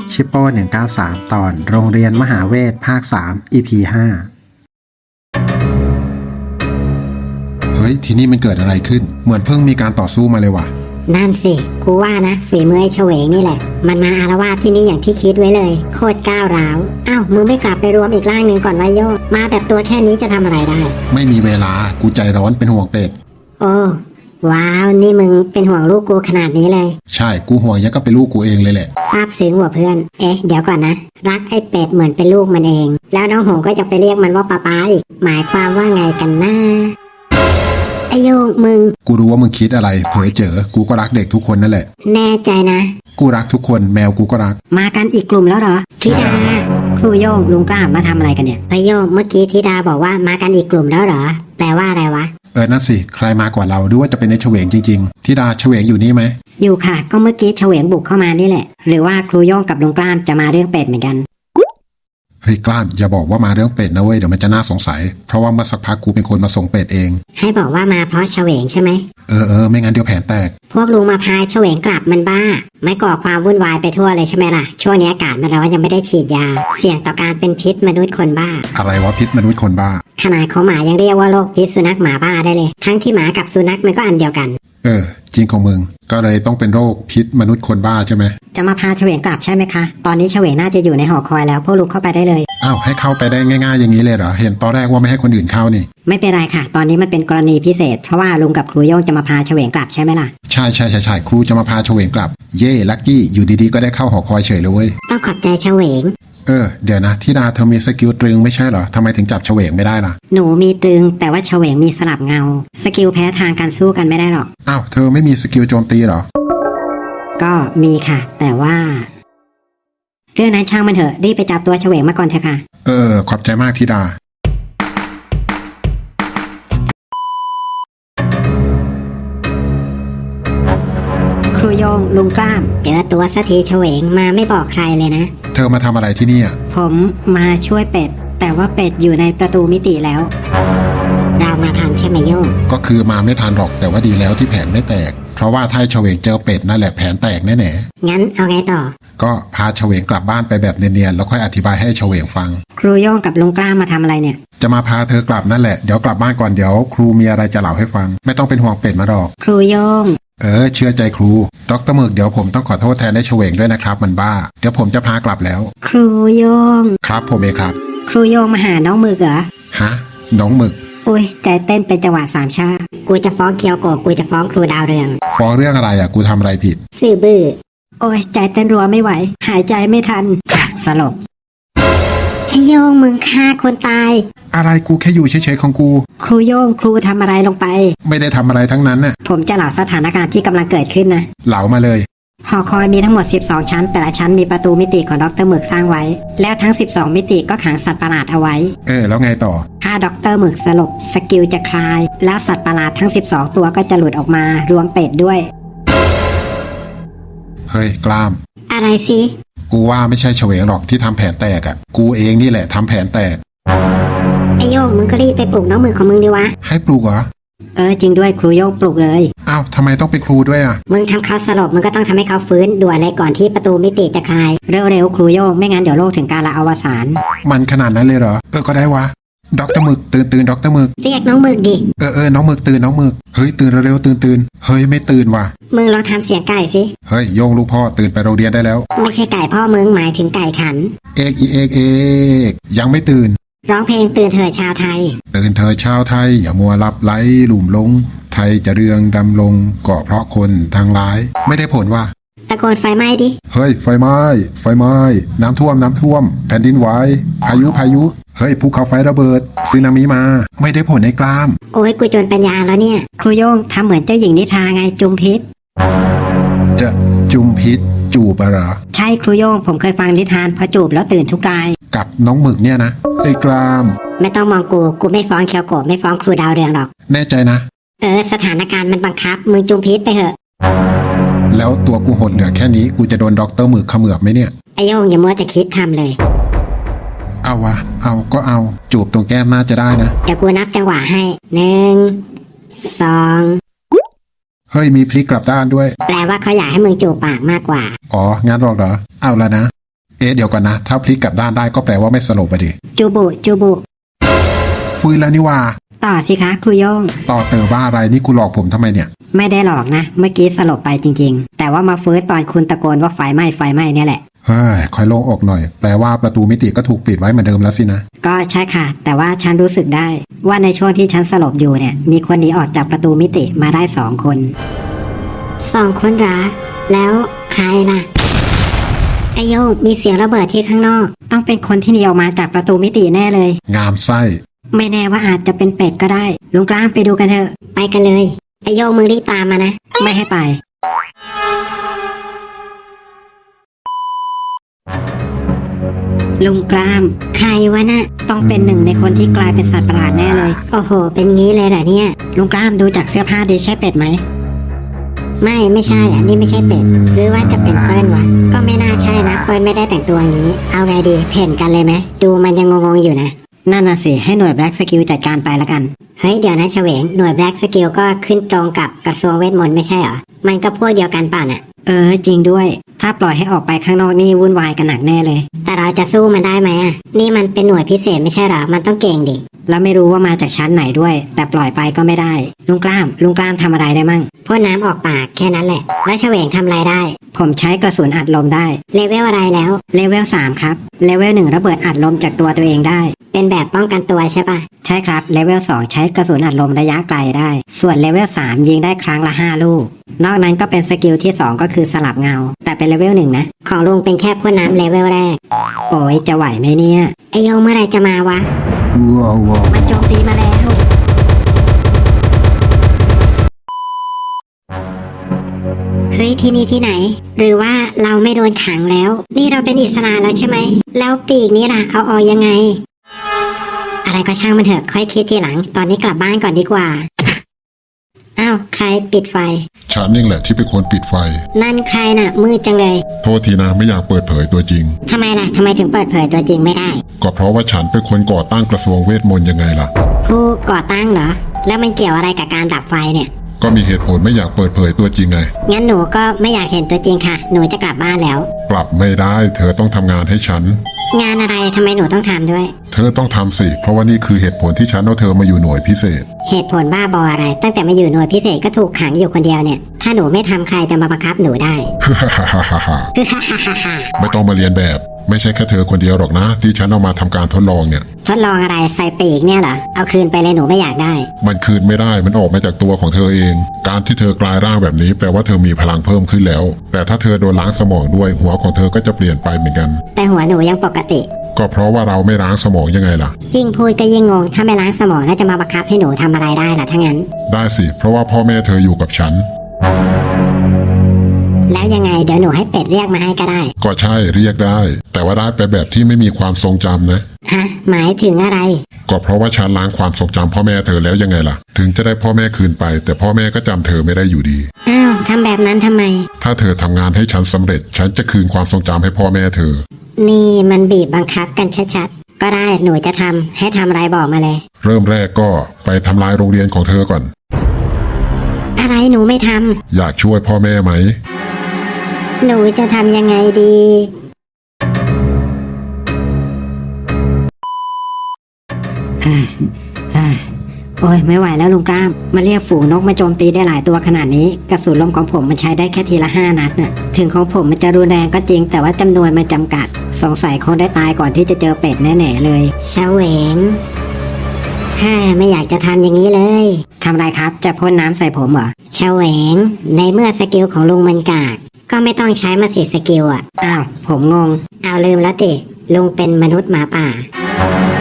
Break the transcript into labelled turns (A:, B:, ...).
A: ชิปโป้193 ตอนโรงเรียนมหาเวทภาค 3 EP 5
B: เฮ้ยที่นี่มันเกิดอะไรขึ้นเหมือนเพิ่งมีการต่อสู้มาเลยว่ะ
C: นั่นสิกูว่านะฝีมือไอ้เฉวงนี่แหละมันมาอารวาสที่นี่อย่างที่คิดไว้เลยโคตรก้าวร้าวอ้าวมึงไม่กลับไปรวมอีกร่างหนึ่งก่อนวะโยมาแบบตัวแค่นี้จะทำอะไรได้
B: ไม่มีเวลากูใจร้อนเป็นห่วงเป็ด
C: โอ้ว้าวนี่มึงเป็นห่วงลูกกูขนาดนี้เลย
B: ใช่กูห่วงยังก็เป็นลูกกูเองเลยแหละ
C: ซาบซึ้งว่ะเพื่อนเดี๋ยวก่อนนะรักไอ้เป็ดเหมือนเป็นลูกมันเองแล้วน้องหงก็จะไปเรียกมันว่าป๊าอีกหมายความว่าไงกันนะไอโยงมึง
B: กูรู้ว่ามึงคิดอะไรเผยเจอกูก็รักเด็กทุกคนนั่นแหละ
C: แน่ใจนะ
B: กูรักทุกคนแมวกูก็รัก
C: มากันอีกกลุ่มแล้วเหรอธิดาครูโยงลุงกล้ามาทำอะไรกันเนี่ยไอโยงเมื่อกี้ธิดาบอกว่ามากันอีกกลุ่มแล้วเหรอแปลว่าอะไรวะ
B: นั่นสิใครมากว่าเราดูว่าจะเป็นในเฉวงจริงๆธิดาเฉวงอยู่นี่ไหม
C: อยู่ค่ะก็เมื่อกี้เฉวงบุกเข้ามานี่แหละหรือว่าครูโยงกับลุงกล้ามจะมาเรื่องเป็ดเหมือนกัน
B: เฮ้ยกล้ามอย่าบอกว่ามาเรื่องเป็ดนะเว้ยเดี๋ยวมันจะน่าสงสัยเพราะว่าเมื่อสักพักกูเป็นคนมาส่งเป็ดเอง
C: ให้บอกว่ามาเพราะเฉวงใช่ไหม
B: ไม่งั้นเดี๋ยวแผนแตก
C: พวกลุงมาพายเฉวงกลับมันบ้าไม่ก่อความวุ่นวายไปทั่วเลยใช่ไหมล่ะช่วงนี้อากาศมันร้อนยังไม่ได้ฉีดยาเสี่ยงต่อการเป็นพิษมนุษย์คนบ้า
B: อะไรวะพิษมนุษย์คนบ้า
C: ขนาดของหมายังเรียกว่าโรคพิษสุนัขหมาบ้าได้เลยทั้งที่หมากับสุนัขมันก็อันเดียวกัน
B: จริงของมึงก็เลยต้องเป็นโรคพิษมนุษย์คนบ้าใช่ไหม
C: จะมาพาเฉวงกลับใช่ไหมคะตอนนี้เฉวงน่าจะอยู่ในหอคอยแล้วพวกลุกเข้าไปได้เลย
B: อ้าวให้เข้าไปได้ง่ายๆอย่างนี้เลยเหรอเห็นตอนแรกว่าไม่ให้คนอื่นเข้านี่
C: ไม่เป็นไรค่ะตอนนี้มันเป็นกรณีพิเศษเพราะว่าลุงกับครูโย่งจะมาพาเฉวงกลับใช่ไหมล่ะ
B: ใช่ครูจะมาพาเฉวงกลับเย่ลักกี้อยู่ดีๆก็ได้เข้าหอคอยเฉยเลยเว้ย
C: ต้องขอบใจเฉวง
B: เดี๋ยวนะธิดาเธอมีสกิลตรึงไม่ใช่เหรอทำไมถึงจับเฉวงไม่ได้ล่ะ
C: หนูมีตรึงแต่ว่าเฉวงมีสลับเงาสกิลแพ้ทางการสู้กันไม่ได้หรอก
B: อ้าวเธอไม่มีสกิลโจมตีเหรอ
C: ก็มีค่ะแต่ว่าเรื่องนั้นช่างมันเถอะรีบไปจับตัวเฉวงมาก่อนเถอะค่ะ
B: ขอบใจมากธิดา
C: ครูโยงลุงกล้ามเจอตัวสักทีเฉวงมาไม่บอกใครเลยนะ
B: เธอมาทำอะไรที่นี่
C: ผมมาช่วยเป็ดแต่ว่าเป็ดอยู่ในประตูมิติแล้วเรามาทันใช่ไหมโยง
B: ก็คือมาไม่ทันหรอกแต่ว่าดีแล้วที่แผนไม่แตกเพราะว่าถ้าเฉวงเจอเป็ดนั่นแหละแผนแตกแน่
C: ๆงั้นเอาไงต่อ
B: ก็พาเฉวงกลับบ้านไปแบบเนียนๆแล้วค่อยอธิบายให้เฉวงฟัง
C: ครูโยงกับลุงกล้ามาทำอะไรเนี่ย
B: จะมาพาเธอกลับนั่นแหละเดี๋ยวกลับบ้านก่อนเดี๋ยวครูมีอะไรจะเล่าให้ฟังไม่ต้องเป็นห่วงเป็ดมาหรอก
C: ครูโยง
B: เชื่อใจครูดร.หมึกเดี๋ยวผมต้องขอโทษแทนได้เฉวงด้วยนะครับมันบ้าเดี๋ยวผมจะพากลับแล้ว
C: ครูโยง
B: ครับผมเองครับ
C: ครูโยงมาหาน้องหมึกเหรอ
B: ฮะน้องหมึก
C: อุ้ยใจเต้นเป็นจังหวะสามชากูจะฟ้องเกียวโกกูจะฟ้องครูดาวเรือง
B: ฟ้องเรื่องอะไรกูทำอะไรผิด
C: ซื่อบื้อโอ้ยใจเต้นรัวไม่ไหวหายใจไม่ทันสลบไอโยงมึงฆ่าคนตาย
B: อะไรกูแค่อยู่เฉยๆของกู
C: ครูโยงครูทำอะไรลงไป
B: ไม่ได้ทำอะไรทั้งนั้นน่ะ
C: ผมจะเล่าสถานการณ์ที่กำลังเกิดขึ้นนะ
B: เล่ามาเลย
C: หอคอยมีทั้งหมด12ชั้นแต่ละชั้นมีประตูมิติของดร.หมึกสร้างไว้แล้วทั้ง12มิติก็ขังสัตว์ประหลาดเอาไว้
B: แล้วไงต่อ
C: ถ้าดร.หมึกสลบสกิลจะคลายแล้วสัตว์ประหลาดทั้ง12ตัวก็จะหลุดออกมารวมเป็ดด้วย
B: เฮ้ยกล้าม
C: อะไรสิ
B: กูว่าไม่ใช่เฉวงหรอกที่ทำแผนแตกกูเองนี่แหละทำแผนแตก
C: ไอโยงมึงก็รีบไปปลุกน้องหมึกของมึงดีวะ
B: ให้ปลุกเหรอ
C: จริงด้วยครูโยงปลุกเลย
B: อ้าวทำไมต้องเป็นครูด้วย
C: มึงทำเขาสลบมึงก็ต้องทำให้เขาฟื้นด่วนเลยก่อนที่ประตูมิติจะคลายเร็วๆครูโยงไม่งั้นเดี๋ยวโลกถึงกาลอวสาน
B: มันขนาดนั้นเลยเหรอก็ได้วะดร.หมึกตื่นดร.หมึก
C: เรียกน้องหมึกดิ
B: น้องหมึกตื่นน้องหมึกเฮ้ยตื่นเร็วๆตื่นเฮ้ยไม่ตื่นว่ะ
C: มึงลองทำเสียงไก่สิ
B: เฮ้ยโยงลูกพ่อตื่นไปโรงเรียนได้แล้ว
C: ไม่ใช่ไก่พ่อมึงหมายถึงไก่ขัน
B: เอกยังไม่ตื่น
C: ร้องเพลงตื่นเถิดชาวไทย
B: ตื่นเถิดชาวไทยอย่ามัวหลับไหลหลุ่มลงไทยจะเรืองดำลงก็เพราะคนทางร้ายไม่ได้ผลว่ะ
C: ตะโกนไฟไหม้ดิ
B: เฮ้ยไฟไหม้น้ำท่วมแผ่นดินไหวพายุเฮ้ยภูเขาไฟระเบิดสึนามิมาไม่ได้ผลในกล้าม
C: โอ้ยกูจนปัญญาแล้วเนี่ยครูโยงทำเหมือนเจ้าหญิงนิทราไงจุมพิษ
B: จะจุมพิษจูบเหรอ
C: ใช่ครูโยงผมเคยฟังนิทานพอจูบแล้วตื่นทุกราย
B: กับน้องหมึกเนี่ยนะไอ้กล้าม
C: ไม่ต้องมองกูไม่ฟ้องเคียวโกะไม่ฟ้องครูดาวเรืองหรอก
B: แน่ใจนะ
C: สถานการณ์มันบังคับมึงจุมพิษไปเถอะ
B: แล้วตัวกูหดเหลือแค่นี้กูจะโดนดร.หมึกเขมือบไหมเนี่ย
C: ไอโยงอย่ามัวแต่คิดทำเลย
B: เอาวะก็เอาจูบตรงแก้มน่าจะได้นะ
C: เดี๋ยวกูนับจังหวะให้1 2
B: เฮ้ยมีพลิกกลับด้านด้วย
C: แปลว่าเขาอยากให้มึงจูบปากมากกว่า
B: งั้นหรอกเหรอเอาละนะเดี๋ยวก่อนนะถ้าพลิกกลับด้านได้ก็แปลว่าไม่สลบไปดิ
C: จูบุจูบุ
B: ฟื้นแล้วนี่ว่า
C: ต่อสิคะครูโย่ง
B: ต่อเตอว่าอะไรนี่กูหลอกผมทำไมเนี่ย
C: ไม่ได้หลอกนะ เมื่อกี้สลบไปจริงๆ แต่ว่ามาฟื้นตอนคุณตะโกนว่าไฟไหม้ไฟไหม้เนี่ยแหละ
B: เฮ้ยคอยโล่งอกหน่อยแปลว่าประตูมิติก็ถูกปิดไว้เหมือนเดิมแล้วสินะ
C: ก็ใช่ค่ะ แต่ว่าฉันรู้สึกได้ ว่าในช่วงที่ฉันสลบอยู่เนี่ย มีคนหนีออกจากประตูมิติมาได้2 คน2 คนหรอแล้วใครล่ะไอโยงมีเสียงระเบิดที่ข้างนอก ต้องเป็นคนที่หนีออกมาจากประตูมิติแน่เลย
B: งามไส้
C: ไม่แน่ว่าอาจจะเป็นเป็ดก็ได้ลุงกล้ามไปดูกันเถอะไปกันเลยไอโยงมึงรีบตามมานะไม่ให้ไปลุงกล้ามใครวะนะต้องเป็น1 ในคนที่กลายเป็นสัตว์ประหลาดแน่เลยโอ้โหเป็นงี้เลยเหรอเนี่ยลุงกล้ามดูจากเสื้อผ้าดีใช่เป็ดไหมไม่ใช่อันนี้ไม่ใช่เป็ดหรือว่าจะเป็นเปิ้ลวะก็ไม่น่าใช่นะเปิ้ลไม่ได้แต่งตัวอย่างนี้เอาไงดีเพ่นกันเลยไหมดูมันยังงงๆอยู่นะนั่นน่ะสิให้หน่วยแบล็กสกิลจัดการไปละกันเฮ้ยเดี๋ยวนะเฉวงหน่วยแบล็กสกิลก็ขึ้นตรงกับกระทรวงเวทมนต์ไม่ใช่เหรอมันก็พวกเดียวกันป่ะน่ะจริงด้วยถ้าปล่อยให้ออกไปข้างนอกนี่วุ่นวายกันหนักแน่เลยแต่เราจะสู้มันได้ไหมอ่ะนี่มันเป็นหน่วยพิเศษไม่ใช่เหรอมันต้องเก่งดิแล้วไม่รู้ว่ามาจากชั้นไหนด้วยแต่ปล่อยไปก็ไม่ได้ลุงกล้ามทำอะไรได้มั่งพ่นน้ำออกปากแค่นั้นแหละแล้วเฉวงทำอะไรได้ผมใช้กระสุนอัดลมได้เลเวลอะไรแล้วเลเวล3ครับเลเวล1ระเบิดอัดลมจากตัวเองได้เป็นแบบป้องกันตัวใช่ปะใช่ครับเลเวล2ใช้กระสุนอัดลมระยะไกลได้ส่วนเลเวล3ยิงได้ครั้งละ5 ลูกนอกนั้นก็เป็นสกิลที่2ก็คือสลับเงาแต่เป็นเลเวล1นะของลุงเป็นแค่พ่นน้ำเลเวลแรกโอ้ยจะไหวไหมเนี่ยไอโยเมื่อไรจะมาวะมันโจมตีมาแล้วเฮ้ยที่นี่ที่ไหนหรือว่าเราไม่โดนขังแล้วนี่เราเป็นอิสระแล้วใช่ไหมแล้วปีกนี้ล่ะเอาออกยังไงอะไรก็ช่างมันเถอะค่อยคิดทีหลังตอนนี้กลับบ้านก่อนดีกว่าอ้าวใครปิดไฟ
B: ฉันนี่แหละที่เป็นคนปิดไฟ
C: นั่นใครน่ะมืดจังเลย
B: โทษทีนะไม่อยากเปิดเผยตัวจริง
C: ทำไมล่ะทำไมถึงเปิดเผยตัวจริงไม่ได้
B: ก็เพราะว่าฉันเป็นคนก่อตั้งกระทรวงเวทมนต์ยังไงล่ะ
C: ผู้ก่อตั้งเหรอแล้วมันเกี่ยวอะไรกับการดับไฟเนี่ย
B: ก็มีเหตุผลไม่อยากเปิดเผยตัวจริงไง
C: งั้นหนูก็ไม่อยากเห็นตัวจริงค่ะหนูจะกลับบ้านแล้ว
B: กลับไม่ได้เธอต้องทำงานให้ฉัน
C: งานอะไรทำไมหนูต้องทำด้วย
B: เธอต้องทำสิเพราะว่านี่คือเหตุผลที่ฉันเอาเธอมาอยู่หน่วยพิเศษ
C: เหตุผลบ้าบออะไรตั้งแต่มาอยู่หน่วยพิเศษก็ถูกขังอยู่คนเดียวเนี่ยถ้าหนูไม่ทำใครจะมาบังคับหนูได้
B: ไม่ต้องมาเรียนแบบไม่ใช่แค่เธอคนเดียวหรอกนะที่ฉันเอามาทำการทดลองเนี่ย
C: ทดลองอะไรใส่ปีกเนี่ยเหรอเอาคืนไปเลยหนูไม่อยากได้
B: มันคืนไม่ได้มันออกมาจากตัวของเธอเองการที่เธอกลายร่างแบบนี้แปลว่าเธอมีพลังเพิ่มขึ้นแล้วแต่ถ้าเธอโดนล้างสมองด้วยหัวของเธอก็จะเปลี่ยนไปเหมือนกัน
C: แต่หัวหนูยังปกติ
B: ก็เพราะว่าเราไม่ล้างสมองยังไงล่ะ
C: ยิ่งพูดก็ยิ่งงงถ้าไม่ล้างสมองแล้วจะมาบังคับให้หนูทำอะไรได้ล่ะถ้างั้น
B: ได้สิเพราะว่าพ่อแม่เธออยู่กับฉัน
C: แล้วยังไงเดี๋ยวหนูให้เป็ดเรียกมาให้ก็ได้
B: ก็ใช่เรียกได้แต่ว่าได้ไปแบบที่ไม่มีความทรงจำนะ
C: ฮะหมายถึงอะไร
B: ก็เพราะว่าฉันล้างความทรงจำพ่อแม่เธอแล้วยังไงล่ะถึงจะได้พ่อแม่คืนไปแต่พ่อแม่ก็จำเธอไม่ได้อยู่ดี
C: อ้าวทำแบบนั้นทำไม
B: ถ้าเธอทำงานให้ฉันสำเร็จฉันจะคืนความทรงจำให้พ่อแม่เธอ
C: นี่มันบีบบังคับกันชัดๆก็ได้หนูจะทำให้ทำอะไรบอกมาเลย
B: เริ่มแรกก็ไปทำลายโรงเรียนของเธอก่อน
C: อะไรหนูไม่ทำ
B: อยากช่วยพ่อแม่ไหม
C: หนูจะทำยังไงดีโอ้ยไม่ไหวแล้วลุงกล้ามมาเรียกฝูงนกมาโจมตีได้หลายตัวขนาดนี้กระสุนลมของผมมันใช้ได้แค่ทีละ5 นัดน่ะถึงของผมมันจะรุนแรงก็จริงแต่ว่าจำนวนมันจำกัดสงสัยคงได้ตายก่อนที่จะเจอเป็ดแน่ๆเลยเฉวงไม่อยากจะทำอย่างนี้เลยทำไรครับจะพ่นน้ำใส่ผมเหรอเฉวงในเมื่อสกิลของลุงมันกากก็ไม่ต้องใช้มาสิสกิลอ่ะอ้าวผมงงเอาลืมแล้วติลุงเป็นมนุษย์หมาป่า